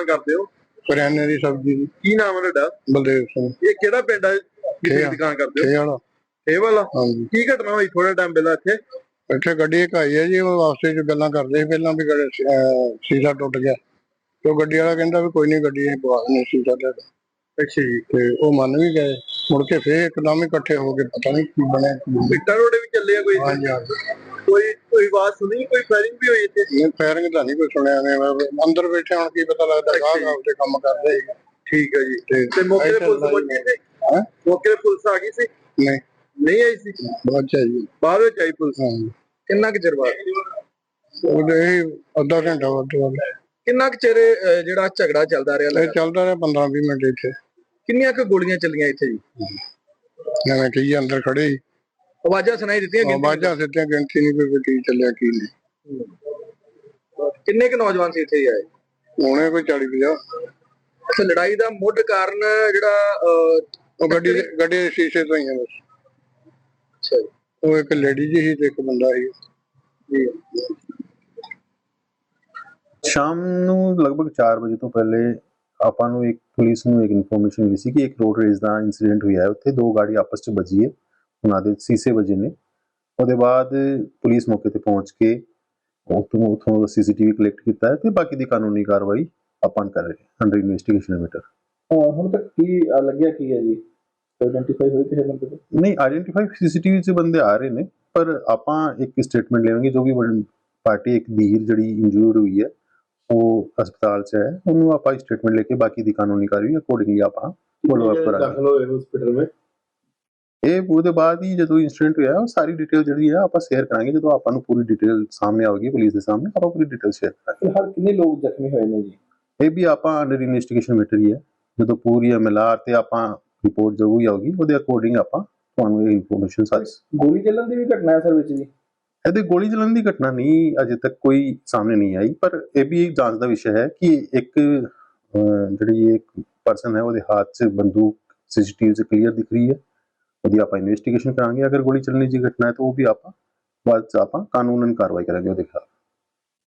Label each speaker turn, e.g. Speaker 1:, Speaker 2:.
Speaker 1: ਕਰਦੇ ਹੋ?
Speaker 2: ਕਰਿਆਨੇ ਦੀ ਸਬਜ਼ੀ ਦੀ।
Speaker 1: ਕੀ ਨਾਮ ਹੈ ਤੁਹਾਡਾ?
Speaker 2: ਬਲਦੇਵ ਸਿੰਘ।
Speaker 1: ਇਹ ਕਿਹੜਾ ਪਿੰਡ ਹੈ ਕਿੱਥੇ ਦੁਕਾਨ ਕਰਦੇ ਹੋ?
Speaker 2: ਇਹ ਵਾਲਾ।
Speaker 1: ਇਹ ਵਾਲਾ?
Speaker 2: ਹਾਂਜੀ।
Speaker 1: ਕੀ ਘਟਨਾ ਹੋਈ ਥੋੜਾ ਟਾਈਮ ਪਹਿਲਾਂ ਇੱਥੇ?
Speaker 2: ਇੱਥੇ ਗੱਡੀ ਇੱਕ ਆਈ ਹੈ ਜੀ, ਉਹ ਵਾਸਤੇ ਚ ਗੱਲਾਂ ਕਰਦੇ ਸੀ ਪਹਿਲਾਂ ਵੀ ਸ਼ੀਸ਼ਾ ਟੁੱਟ ਗਿਆ ਤੇ ਉਹ ਗੱਡੀ ਵਾਲਾ ਕਹਿੰਦਾ ਵੀ ਕੋਈ ਨਹੀਂ, ਗੱਡੀ ਅਸੀਂ ਪਵਾ ਦਿੰਦੇ ਸ਼ੀਸ਼ਾ ਤੁਹਾਡਾ।
Speaker 1: ਅੱਛਾ ਜੀ।
Speaker 2: ਤੇ ਉਹ ਮੰਨ ਵੀ ਗਏ। ਮੁੜ ਕੇ ਫੇਰ ਇੱਕਦਮ ਹੀ ਇਕੱਠੇ ਹੋ ਕੇ ਪਤਾ ਨਹੀਂ ਕੀ ਬਣਿਆ।
Speaker 1: ਇੱਟਾਂ ਰੋੜੇ ਵੀ ਚੱਲੇ ਆ ਕੋਈ?
Speaker 2: ਹਾਂਜੀ ਹਾਂਜੀ।
Speaker 1: ਕੋਈ ਆਵਾਜ਼ ਸੁਣੀ? ਕੋਈ ਫਾਇਰਿੰਗ ਵੀ ਹੋਈ ਇੱਥੇ?
Speaker 2: ਨਹੀਂ, ਫਾਇਰਿੰਗ ਤਾਂ ਨਹੀਂ ਕੋਈ ਸੁਣਿਆ। ਨੇ ਅੰਦਰ ਬੈਠੇ ਹੁਣ ਕੀ ਪਤਾ ਲੱਗਦਾ, ਗਾਹਕ ਆਪਦੇ ਕੰਮ ਕਰਦੇ ਸੀ।
Speaker 1: ਠੀਕ ਹੈ ਜੀ। ਤੇ ਮੌਕੇ ਤੇ ਪੁਲਿਸ ਪਹੁੰਚੀ ਸੀ? ਮੌਕੇ ਤੇ ਪੁਲਿਸ ਆ ਗਈ ਸੀ?
Speaker 2: ਨਹੀਂ
Speaker 1: ਨਹੀਂ ਆਈ ਸੀ।
Speaker 2: ਬਾਅਦ ਚ ਆਈ।
Speaker 1: ਬਾਅਦ ਵਿੱਚ ਆਈ ਪੁਲਿਸ?
Speaker 2: ਹਾਂਜੀ।
Speaker 1: ਕਿੰਨਾ ਕੁ ਚਿਰ ਬਾਅਦ?
Speaker 2: ਉਹਦੇ ਅੱਧਾ ਘੰਟਾ ਵੱਧ ਤੋਂ ਵੱਧ।
Speaker 1: ਕਿੰਨਾ ਕੁ ਚਿਰ ਜਿਹੜਾ ਝਗੜਾ ਚੱਲਦਾ ਰਿਹਾ?
Speaker 2: ਇਹ ਚੱਲਦਾ ਰਿਹਾ 15-20 ਮਿੰਟ ਇੱਥੇ।
Speaker 1: ਕਿੰਨੀਆਂ ਕੁ ਗੋਲੀਆਂ ਚੱਲੀਆਂ ਇੱਥੇ ਜੀ?
Speaker 2: ਜਿਵੇਂ ਕਹੀ ਅੰਦਰ ਖੜੇ ਸੀ,
Speaker 1: ਆਵਾਜ਼ਾਂ ਸੁਣਾਈ ਦਿੱਤੀਆਂ?
Speaker 2: ਆਵਾਜ਼ਾਂ ਸਿੱਧੀਆਂ, ਗਿਣਤੀ ਨਹੀਂ ਕੋਈ ਕੀ ਚੱਲਿਆ ਕੀ ਨਹੀਂ।
Speaker 1: ਕਿੰਨੇ ਕੁ ਨੌਜਵਾਨ ਸੀ ਇੱਥੇ ਆਏ?
Speaker 2: ਹੋਣੇ ਕੋਈ 40-50।
Speaker 1: ਅੱਛਾ, ਲੜਾਈ ਦਾ ਮੁੱਢ ਕਾਰਨ ਜਿਹੜਾ
Speaker 2: ਉਹ ਗੱਡੀ ਦੇ ਸ਼ੀਸ਼ੇ ਤੋਂ ਹੀ ਆ ਬਸ।
Speaker 1: ਅੱਛਾ ਜੀ।
Speaker 2: ਉਹ ਇੱਕ ਲੇਡੀ ਜੀ ਸੀ ਤੇ ਇੱਕ ਬੰਦਾ ਸੀ ਜੀ।
Speaker 3: ਸ਼ਾਮ ਨੂੰ ਲਗਭਗ 4 ਵਜੇ ਤੋਂ ਪਹਿਲੇ ਆਪਾਂ ਨੂੰ ਇੱਕ ਪੁਲਿਸ ਨੂੰ ਇੱਕ ਇਨਫੋਰਮੇਸ਼ਨ ਮਿਲੀ ਸੀ ਕਿ ਇੱਕ ਰੋਡ ਰੇਸ ਦਾ ਇਨਸੀਡੈਂਟ ਹੋਇਆ ਹੈ। ਉੱਥੇ ਦੋ ਗਾੜੀ ਆਪਸ ਚ ਵੱਜੀ ਹੈ, ਉਹਨਾਂ ਦੇ ਸੀਸੇ ਵੱਜੇ ਨੇ। ਉਹਦੇ ਬਾਅਦ ਪੁਲਿਸ ਮੌਕੇ ਤੇ ਪਹੁੰਚ ਕੇ ਉੱਥੋਂ CCTV ਕਲੈਕਟ ਕੀਤਾ ਹੈ ਤੇ ਬਾਕੀ ਦੀ ਕਾਨੂੰਨੀ ਕਾਰਵਾਈ ਆਪਾਂ ਕਰ ਰਹੇ ਹਾਂ ਅੰਡਰ ਇਨਵੈਸਟੀਗੇਸ਼ਨ ਮੈਟਰ।
Speaker 4: ਹੁਣ ਤੱਕ ਕੀ ਲੱਗਿਆ ਕੀ ਹੈ ਜੀ? ਆਇਡੈਂਟੀਫਾਈ ਹੋਏ ਕਿਸੇ ਬੰਦੇ?
Speaker 3: ਨਹੀਂ, ਆਇਡੈਂਟੀਫਾਈ CCTV 'ਚ ਬੰਦੇ ਆ ਰਹੇ ਨੇ, ਪਰ ਆਪਾਂ ਇੱਕ ਸਟੇਟਮੈਂਟ ਲੈਵਾਂਗੇ। ਜੋ ਵੀ ਪਾਰਟੀ ਇੱਕ ਧੀਰ ਜਿਹੜੀ ਇੰਜੂਰਡ ਹੋਈ ਹੈ ਉਹ ਹਸਪਤਾਲ 'ਚ ਹੈ, ਉਹਨੂੰ ਆਪਾਂ ਸਟੇਟਮੈਂਟ ਲੈ ਕੇ ਬਾਕੀ ਦੀ ਕਾਨੂੰਨੀ ਕਾਰਵਾਈ ਅਕੋਰਡਿੰਗਲੀ ਆਪਾਂ ਫੋਲੋ ਅਪ ਕਰਾਂਗੇ।
Speaker 4: ਦਾਖਲ ਹੋਏ ਹਸਪੀਟਲ ਵਿੱਚ
Speaker 3: ਇਹ ਉਹਦੇ ਬਾਅਦ ਹੀ ਜਦੋਂ ਇੰਸੀਡੈਂਟ ਹੋਇਆ ਉਹ ਸਾਰੀ ਡਿਟੇਲ ਜਿਹੜੀ ਹੈ ਆਪਾਂ ਸ਼ੇਅਰ ਕਰਾਂਗੇ। ਜਦੋਂ ਆਪਾਂ ਨੂੰ ਪੂਰੀ ਡਿਟੇਲ ਸਾਹਮਣੇ ਆਵੇਗੀ ਪੁਲਿਸ ਦੇ ਸਾਹਮਣੇ, ਆਪਾਂ ਪੂਰੀ ਡਿਟੇਲ ਸ਼ੇਅਰ ਕਰਾਂਗੇ।
Speaker 4: ਫਿਲਹਾਲ ਕਿੰਨੇ ਲੋਕ ਜ਼ਖਮੀ ਹੋਏ ਨੇ ਜੀ?
Speaker 3: ਇਹ ਵੀ ਆਪਾਂ ਅੰਡਰ ਇਨਵੈਸਟੀਗੇਸ਼ਨ ਮੈਟਰ ਹੀ ਹੈ। ਜਦੋਂ ਪੂਰੀ MLR ਤੇ ਆਪਾਂ ਰਿਪੋਰਟ ਜੋ ਵੀ ਆਊਗੀ ਉਹਦੇ ਅਕੋਰਡਿੰਗ ਆਪਾਂ ਤੁਹਾਨੂੰ ਇਹ ਇਨਫੋਰਮੇਸ਼ਨ ਸਾਰੀ।
Speaker 4: ਗੋਲੀ ਚੱਲਣ ਦੀ ਵੀ ਘਟਨਾ ਹੈ ਸਰ ਵਿੱਚ ਜੀ?
Speaker 3: ਇਹਦੇ ਗੋਲੀ ਚੱਲਣ ਦੀ ਘਟਨਾ ਨਹੀਂ ਅਜੇ ਤੱਕ ਕੋਈ ਸਾਹਮਣੇ ਨਹੀਂ ਆਈ, ਪਰ ਇਹ ਵੀ ਇੱਕ ਜਾਂਚ ਦਾ ਵਿਸ਼ਾ ਹੈ ਕਿ ਇੱਕ ਜਿਹੜੀ ਇੱਕ ਪਰਸਨ ਹੈ ਉਹਦੇ ਹੱਥ 'ਚ ਬੰਦੂਕ CCTV 'ਚ ਕਲੀਅਰ ਦਿਖ ਰਹੀ ਹੈ। ਉਹਦੀ ਆਪਾਂ ਇਨਵੈਸਟੀਗੇਸ਼ਨ ਕਰਾਂਗੇ। ਅਗਰ ਗੋਲੀ ਚੱਲਣ ਦੀ ਘਟਨਾ ਹੈ ਤਾਂ ਉਹ ਵੀ ਆਪਾਂ ਬਾਅਦ 'ਚ ਆਪਾਂ ਕਾਨੂੰਨਨ ਕਾਰਵਾਈ ਕਰਾਂਗੇ ਉਹਦੇ ਖਿਲਾਫ।